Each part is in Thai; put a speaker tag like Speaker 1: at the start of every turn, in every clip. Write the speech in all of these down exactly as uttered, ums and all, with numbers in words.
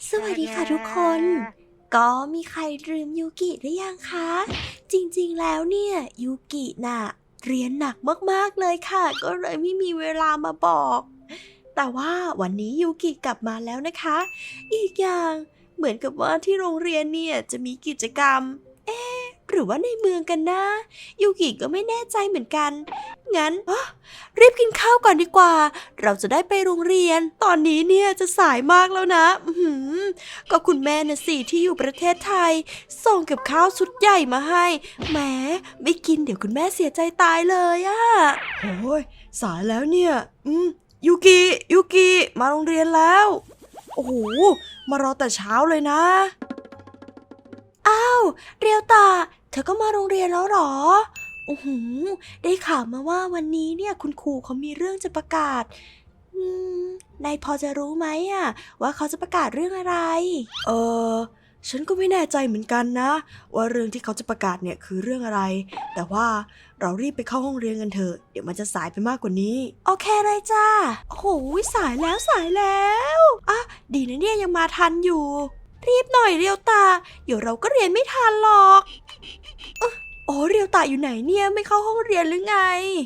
Speaker 1: สวัสดีค่ะทุกคนก็มีใครลืมยูกิหรือยังคะจริงๆแล้วเนี่ยยูกิน่ะเรียนหนักมากๆเลยค่ะก็เลยไม่มีเวลามาบอกแต่ว่าวันนี้ยูกิกลับมาแล้วนะคะอีกอย่างเหมือนกับว่าที่โรงเรียนเนี่ยจะมีกิจกรรมเอ๊ะหรือว่าในเมืองกันนะยูกิก็ไม่แน่ใจเหมือนกันงั้นรีบกินข้าวก่อนดีกว่าเราจะได้ไปโรงเรียนตอนนี้เนี่ยจะสายมากแล้วนะอือหือก็คุณแม่น่ะสิที่อยู่ประเทศไทยส่งกับข้าวชุดใหญ่มาให้แหมไม่กินเดี๋ยวคุณแม่เสียใจตายเลยอะโอ้ยสายแล้วเนี่ยอืมยูกิยูกิมาโรงเรียนแล้วโอ้โหมารอแต่เช้าเลยนะอ้าวเรียวตาเธอก็มาโรงเรียนแล้วเหรอโอ้โหได้ข่าวมาว่าวันนี้เนี่ยคุณครูเขามีเรื่องจะประกาศอืมนายพอจะรู้ไหมอะว่าเขาจะประกาศเรื่องอะไรเออฉันก็ไม่แน่ใจเหมือนกันนะว่าเรื่องที่เขาจะประกาศเนี่ยคือเรื่องอะไรแต่ว่าเรารีบไปเข้าห้องเรียนกันเถอะเดี๋ยวมันจะสายไปมากกว่านี้โอเคเลยจ้าโอ้โหสายแล้วสายแล้วอ่ะดีนะเนี่ยยังมาทันอยู่รีบหน่อยเรียวตาเดี๋ยวเราก็เรียนไม่ทันหรอกโอ้เรียวตาอยู่ไหนเนี่ยไม่เข้าห้องเรียนหรือไง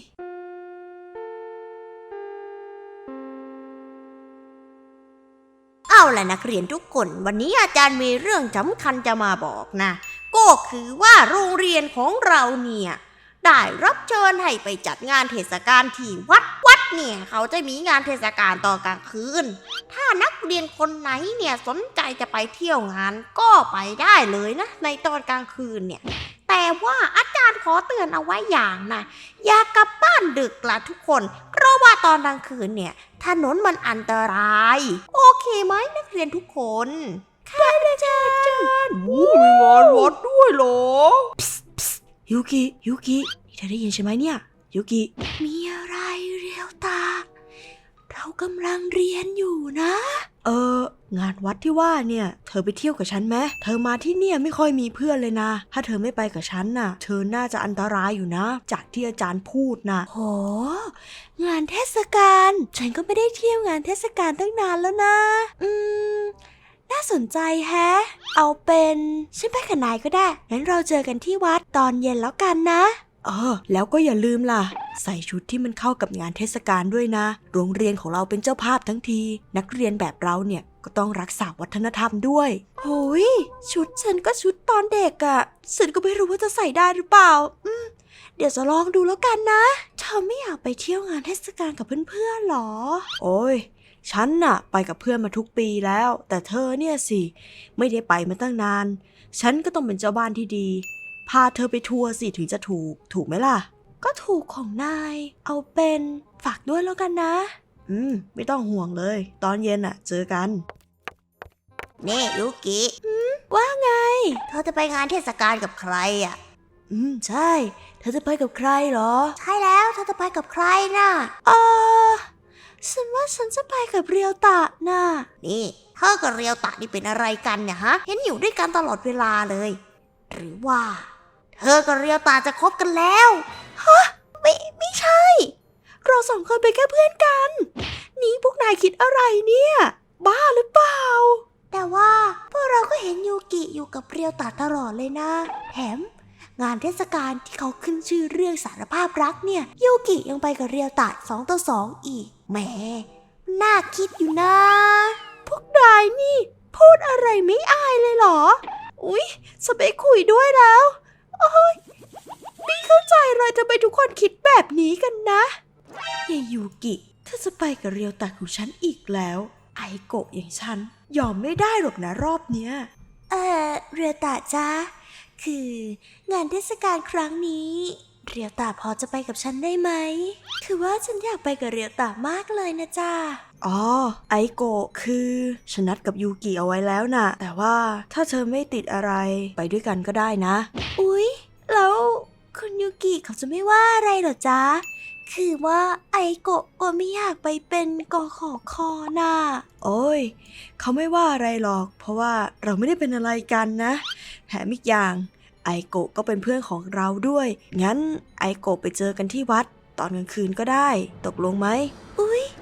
Speaker 2: เอาล่ะนักเรียนทุกคนวันนี้อาจารย์มีเรื่องสำคัญจะมาบอกนะก็คือว่าโรงเรียนของเราเนี่ยได้รับเชิญให้ไปจัดงานเทศกาลที่วัดวัดเนี่ยเขาจะมีงานเทศกาลตอนกลางคืนถ้านักเรียนคนไหนเนี่ยสนใจจะไปเที่ยวงานก็ไปได้เลยนะในตอนกลางคืนเนี่ยแต่ว่าอาจารย์ขอเตือนเอาไว้อย่างนะอย่ากลับบ้านดึกล่ะทุกคนเพราะว่าตอนกลางคืนเนี่ยถนนมันอันตรายโอเคไหมนักเรียนทุกคนค่ะอาจารย์
Speaker 1: โอ้มีงานวัดด้วยเหรอยูกิยูกินี่เธอได้ยินใช่ไหมเนี่ยยูกิมีอะไรเรียวตาเรากำลังเรียนอยู่นะเอองานวัดที่ว่าเนี่ยเธอไปเที่ยวกับฉันไหมเธอมาที่เนี่ยไม่ค่อยมีเพื่อนเลยนะถ้าเธอไม่ไปกับฉันน่ะเธอน่าจะอันตรายอยู่นะจากที่อาจารย์พูดนะโหงานเทศกาลฉันก็ไม่ได้เที่ยวงานเทศกาลตั้งนานแล้วนะอืมน่าสนใจแฮะเอาเป็นฉันไปกับนายก็ได้งั้นเราเจอกันที่วัดตอนเย็นแล้วกันนะเออแล้วก็อย่าลืมล่ะใส่ชุดที่มันเข้ากับงานเทศกาลด้วยนะโรงเรียนของเราเป็นเจ้าภาพทั้งทีนักเรียนแบบเราเนี่ยก็ต้องรักษาวัฒนธรรมด้วยโหยชุดฉันก็ชุดตอนเด็กอะฉันก็ไม่รู้ว่าจะใส่ได้หรือเปล่าอืมเดี๋ยวจะลองดูแล้วกันนะเธอไม่อยากไปเที่ยวงานเทศกาลกับเพื่อนๆหรอโอ้ยฉันน่ะไปกับเพื่อนมาทุกปีแล้วแต่เธอเนี่ยสิไม่ได้ไปมาตั้งนานฉันก็ต้องเป็นเจ้าบ้านที่ดีพาเธอไปทัวร์สิถึงจะถูกถูกไหมล่ะก็ถูกของนายเอาเป็นฝากด้วยแล้วกันนะอืมไม่ต้องห่วงเลยตอนเย็นน่ะเจอกัน
Speaker 2: เน่ยูกิ
Speaker 1: ว่าไง
Speaker 2: เธอจะไปงานเทศกาลกับใครอ่ะ
Speaker 1: อืมใช่เธอจะไปกับใครเหรอ
Speaker 2: ใช่แล้วเธอจะไปกับใครน่ะ
Speaker 1: เออฉันว่าฉันจะไปกับเรียวตะน่ะ
Speaker 2: นี่เธอกับเรียวตะนี่เป็นอะไรกันเนี่ยฮะเห็นอยู่ด้วยกันตลอดเวลาเลยหรือว่าเธอกับเรียวตะจะคบกันแล้ว
Speaker 1: ฮะไม่ไม่ใช่เราสองคนเป็นแค่เพื่อนกันนี่พวกนายคิดอะไรเนี่ยบ้าหรือเปล่า
Speaker 2: แต่ว่าพวกเราก็เห็นยูกิอยู่กับเรียวตะตลอดเลยนะแถมงานเทศกาลที่เขาขึ้นชื่อเรื่องสารภาพรักเนี่ยยูกิยังไปกับเรียวตะสองต่อสองอีกแหมน่าคิดอยู่นะ
Speaker 1: พวกนายนี่พูดอะไรไม่อายเลยเหรออุ๊ยจะไปคุยด้วยแล้วโอ้ยไม่เข้าใจเลยทำไมทุกคนคิดแบบนี้กันนะยายยูกิถ้าจะไปกับเรียวตะของฉันอีกแล้วไอโกะอย่างฉันยอมไม่ได้หรอกนะรอบเนี้ยเออเรียวตะจ้าคืองานเทศกาลครั้งนี้เรียวตะพอจะไปกับฉันได้ไหมคือว่าฉันอยากไปกับเรียวตะมากเลยนะจ้าอ๋อไอโกะคือฉันนัดกับยูกิเอาไว้แล้วนะแต่ว่าถ้าเธอไม่ติดอะไรไปด้วยกันก็ได้นะอุ๊ยแล้วคุณยูกิเขาจะไม่ว่าอะไรหรอจ๊ะคือว่าไอโกะก็ไม่อยากไปเป็นกขอคอน่ะโอ้ยเขาไม่ว่าอะไรหรอกเพราะว่าเราไม่ได้เป็นอะไรกันนะแถมอีกอย่างไอโกะก็เป็นเพื่อนของเราด้วยงั้นไอโกะไปเจอกันที่วัดตอนกลางคืนก็ได้ตกลงไหมอุ๊ยเรี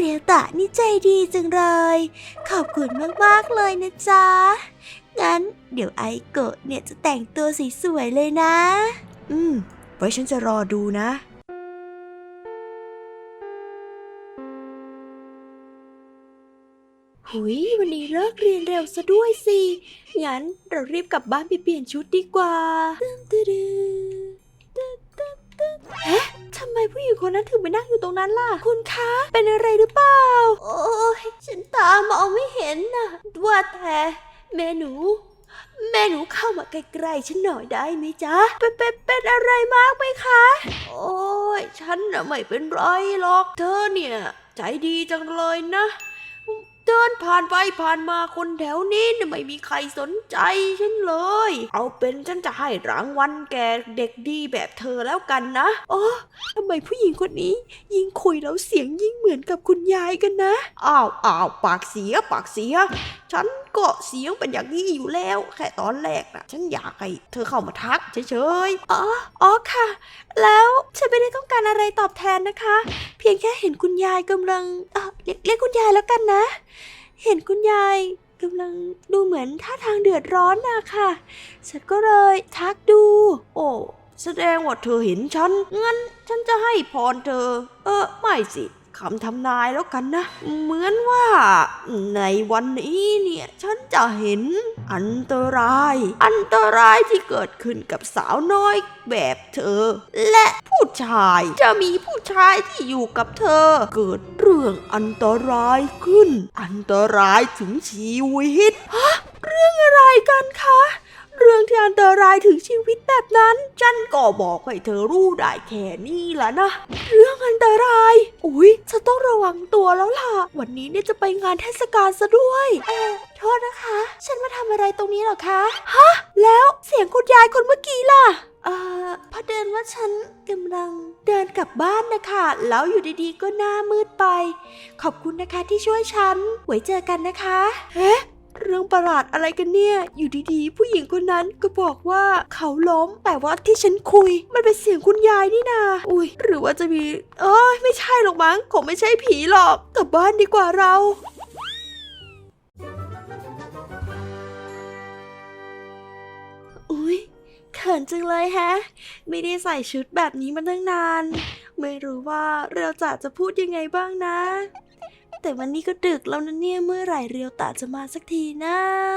Speaker 1: เรียวตะนี่ใจดีจังเลย ขอบคุณมากๆเลยนะจ๊ะ งั้นเดี๋ยวไอโกะเนี่ยจะแต่งตัวสวยๆเลยนะ
Speaker 2: อืม ไว้ฉันจะรอดูนะ
Speaker 1: หุยวันนี้เลิกเรียนเร็วซะด้วยสิ งั้นเรารีบกลับบ้านไปเปลี่ยนชุดดีกว่าตึ๊ดตึ๊ดตึ๊ดตึ๊ดตึ๊ดเอ๊ะทำไมผู้หญิงคนนั้นถึงไปนั่งอยู่ตรงนั้นล่ะ คุณคะ เป็นอะไรหรือเปล่า โอ้ยฉันตามองไม่เห็นนะว่าแต่แม่หนู แม่หนูเข้ามาใกล้ๆฉันหน่อยได้ไหมจ๊ะ เป็นเป็นเป็นอะไรมากไหมคะ โอ้ยฉันน่ะไม่เป็นไรหรอก เธอเนี่ยใจดีจังเลยนะ เดินผ่านไปผ่านมาคนแถวนี้เนี่ยไม่มีใครสนใจฉันเลย เอาเป็นฉันจะให้รางวัลแก่เด็กดีแบบเธอแล้วกันนะอ๋อทำไมผู้หญิงคนนี้ยิ่งคุยแล้วเสียงยิ่งเหมือนกับคุณยายกันนะ
Speaker 2: อ้าวอ้าวปากเสียปากเสีย ฉันก็เสียงเป็นอย่างนี้อยู่แล้ว แค่ตอนแรกนะฉันอยากให้เธอเข้ามาทักเฉย
Speaker 1: อ๋ออ๋อค่ะ แล้วฉันไม่ได้ต้องการอะไรตอบแทนนะคะ เพียงแค่เห็นคุณยายกำลังเอ่อเรียกเรียกคุณยายแล้วกันนะ เห็นคุณยายกำลังดูเหมือนท่าทางเดือดร้อนนะค่ะ ฉันก็เลยทักดู
Speaker 2: ๆ โอ้แสดงว่าเธอเห็นฉัน งั้นฉันจะให้พรเธอ เออไม่สิคำทำนายแล้วกันนะ เหมือนว่าในวันนี้เนี่ยฉันจะเห็นอันตราย อันตรายที่เกิดขึ้นกับสาวน้อยแบบเธอ และผู้ชายจะมีผู้ชายที่อยู่กับเธอ เกิดเรื่องอันตรายขึ้น อันตรายถึงชีวิต
Speaker 1: เรื่องอะไรกันคะ เรื่องที่อันตรายถึงชีวิตแบบนั้น
Speaker 2: ฉันก็บอกให้เธอรู้ได้แค่นี้แหละนะ
Speaker 1: เรื่องอันตราย อุ๊ยฉันต้องระวังตัวแล้วล่ะ วันนี้เนี่ยจะไปงานเทศกาลซะด้วย เออโทษนะคะ ฉันมาทำอะไรตรงนี้เหรอคะ ฮะ แล้วเสียงคุณยายคนเมื่อกี้ล่ะ เอ่อพอเดินว่าฉันกำลังเดินกลับบ้านนะคะ แล้วอยู่ดีๆก็หน้ามืดไป ขอบคุณนะคะที่ช่วยฉัน ไว้เจอกันนะคะ เฮ้เรื่องประหลาดอะไรกันเนี่ย อยู่ดีๆ ผู้หญิงคนนั้นก็บอกว่าเขาล้ม แต่ว่าที่ฉันคุยมันเป็นเสียงคุณยายนี่นา อุ้ยหรือว่าจะมี เอ้ยไม่ใช่หรอกมั้งคงไม่ใช่ผีหรอก กลับบ้านดีกว่าเรา อุ้ยเขินจังเลยแฮะ ไม่ได้ใส่ชุดแบบนี้มาตั้งนาน ไม่รู้ว่าเรียวตะจะพูดยังไงบ้างนะ แต่วันนี้ก็ดึกแล้วนะเนี่ย เมื่อไหร่เรียวตะจะมาสักทีนะ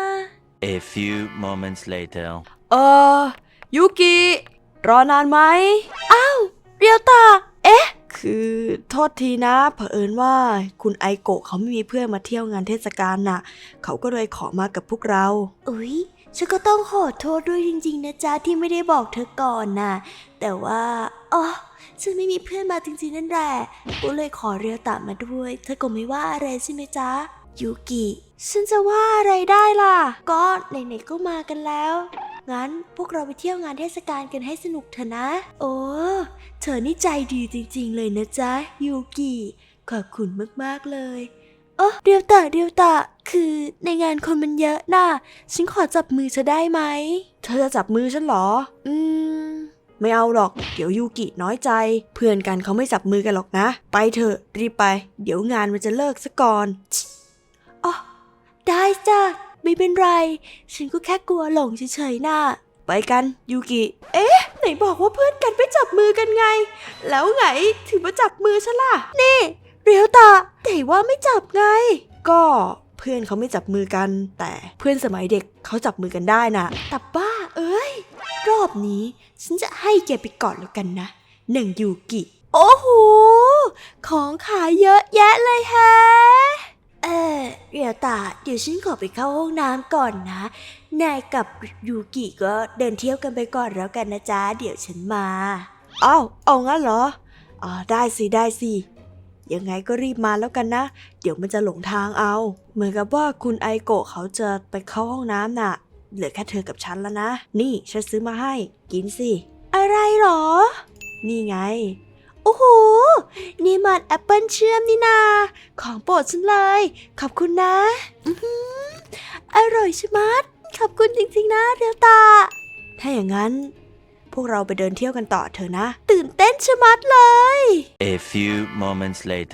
Speaker 3: A few moments later.
Speaker 1: เออยูกิรอนานไหมอ้าวเรียวตะเอ๊ะ คือโทษทีนะเผอิญว่าคุณไอโกะเขาไม่มีเพื่อนมาเที่ยวงานเทศกาลน่ะ เขาก็เลยขอมากับพวกเราอุ๊ยฉันก็ต้องขอโทษด้วยจริงๆนะจ๊ะที่ไม่ได้บอกเธอก่อนน่ะ แต่ว่าอ๋อฉันไม่มีเพื่อนมาจริงๆนั่นแหละก็เลยขอเรียวตะมาด้วย เธอก็ไม่ว่าอะไรใช่ไหมจ๊ะยูกิฉันจะว่าอะไรได้ล่ะ ก็ไหนๆก็มากันแล้ว งั้นพวกเราไปเที่ยวงานเทศกาลกันให้สนุกเถอะนะ โอ้เธอนี่ใจดีจริงๆเลยนะจ๊ะยูกิขอบคุณมากๆเลยเออเดียวตะเดียวตะคือในงานคนมันเยอะน่ะฉันขอจับมือเธอได้ไหมเธอจะจับมือฉันเหรออืมไม่เอาหรอกเดี๋ยวยูกิน้อยใจเพื่อนกันเขาไม่จับมือกันหรอกนะไปเถอะรีบไปเดี๋ยวงานมันจะเลิกซะก่อนอ๋อได้จ้ะไม่เป็นไรฉันก็แค่กลัวหลงเฉยๆน่ะไปกันยูกิเอ๊ะไหนบอกว่าเพื่อนกันไม่จับมือกันไงแล้วไงถึงมาจับมือฉันล่ะนี่เรียวตะแต่ว่าไม่จับไงก็เพื่อนเขาไม่จับมือกันแต่เพื่อนสมัยเด็กเขาจับมือกันได้น่ะแต่บ้าเอ้ยรอบนี้ฉันจะให้แกไปก่อนแล้วกันนะหนึ่งยูกิโอ้โหของขายเยอะแยะเลยแฮะเออเรียวตะเดี๋ยวฉันขอไปเข้าห้องน้ำก่อนนะนายกับยูกิก็เดินเที่ยวกันไปก่อนแล้วกันนะจ๊ะเดี๋ยวฉันมาอ้าวเอางั้นเหรออ่าได้สิได้สิยังไงก็รีบมาแล้วกันนะเดี๋ยวมันจะหลงทางเอาเหมือนกับว่าคุณไอโกะเขาจะไปเข้าห้องน้ำน่ะเหลือแค่เธอกับฉันแล้วนะนี่ฉันซื้อมาให้กินสิอะไรหรอนี่ไงโอ้โหนี่มันแอปเปิลเชื่อมนี่นาของโปรดฉันเลยขอบคุณนะอื้อหืออร่อยชะมัดขอบคุณจริงๆนะเรียวตาถ้าอย่างนั้นพวกเราไปเดินเที่ยวกันต่อเถอะนะตื่นเต้นชะมัดเลย
Speaker 3: A few moments later.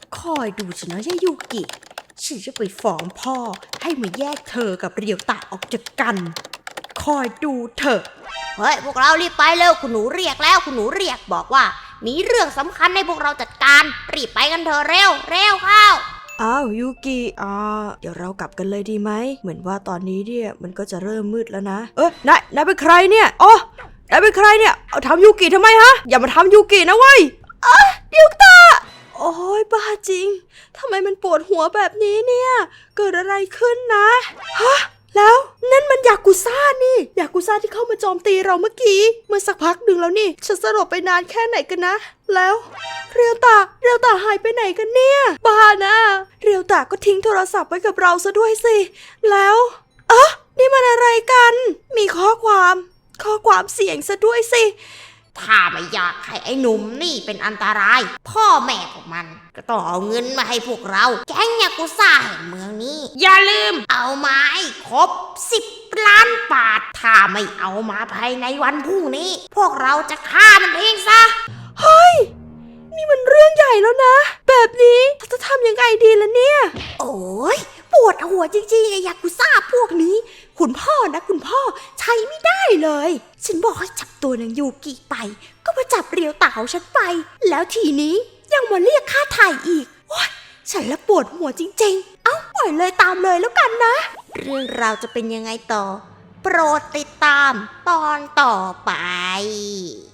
Speaker 2: คอยดูฉันนะยายุกิฉันจะไปฟ้องพ่อให้มาแยกเธอกับเรียวตะออกจากกันคอยดูเถอะเฮ้ยพวกเรารีบไปเร็วคุณหนูเรียกแล้วคุณหนูเรียกบอกว่ามีเรื่องสำคัญให้พวกเราจัดการรีบไปกันเถอะเร็วเร็วเข้า
Speaker 1: อ้าวยูกิอ่าเดี๋ยวเรากลับกันเลยดีไหมเหมือนว่าตอนนี้เนี่ยมันก็จะเริ่มมืดแล้วนะเอ้ยนายนายเป็นใครเนี่ยอ๋อนายเป็นใครเนี่ยเอาทำยูกิทำไมฮะอย่ามาทำยูกินะเว้ยอ่ะเดี๋ยวตาโอ้ยบ้าจริงทำไมมันปวดหัวแบบนี้เนี่ยเกิดอะไรขึ้นนะฮะแล้วนั่นมันยากุซ่านี่ยากุซ่าที่เข้ามาโจมตีเราเมื่อกี้เมื่อสักพักหนึ่งแล้วนี่ฉันสลบไปนานแค่ไหนกันนะแล้วเรียวตาเรียวตาหายไปไหนกันเนี่ยบ้านะเรียวตาก็ทิ้งโทรศัพท์ไว้กับเราซะด้วยสิแล้วเอ๊ะนี่มันอะไรกันมีข้อความข้อความเสียงซะด้วยสิ
Speaker 2: ถ้าไม่อยากให้ไอ้หนุ่มนี่เป็นอันตรายพ่อแม่ของมันก็ต้องเอาเงินมาให้พวกเราแก๊งยากุซ่าแห่งเมืองนี้อย่าลืมเอามาให้ครบสิบล้านบาทถ้าไม่เอามาภายในวันพรุ่งนี้พวกเราจะฆ่ามันเองซะ
Speaker 1: เฮ้ยนี่มันเรื่องใหญ่แล้วนะแบบนี้จะทำยังไงดีล่ะเนี่ย
Speaker 2: โอ้ยปวดหัวจริงๆไอ้ยากุซ่าพวกนี้คุณพ่อนะคุณพ่อใช้ไม่ได้เลยฉันบอกให้จับตัวนางยูกิไปก็มาจับเรียวตาของฉันไปแล้วทีนี้ยังมาเรียกค่าไถ่อีกโอ๊ยฉันละปวดหัวจริงๆเอ้าปล่อยเลยตามเลยแล้วกันนะเรื่องราวจะเป็นยังไงต่อโปรดติดตามตอนต่อไป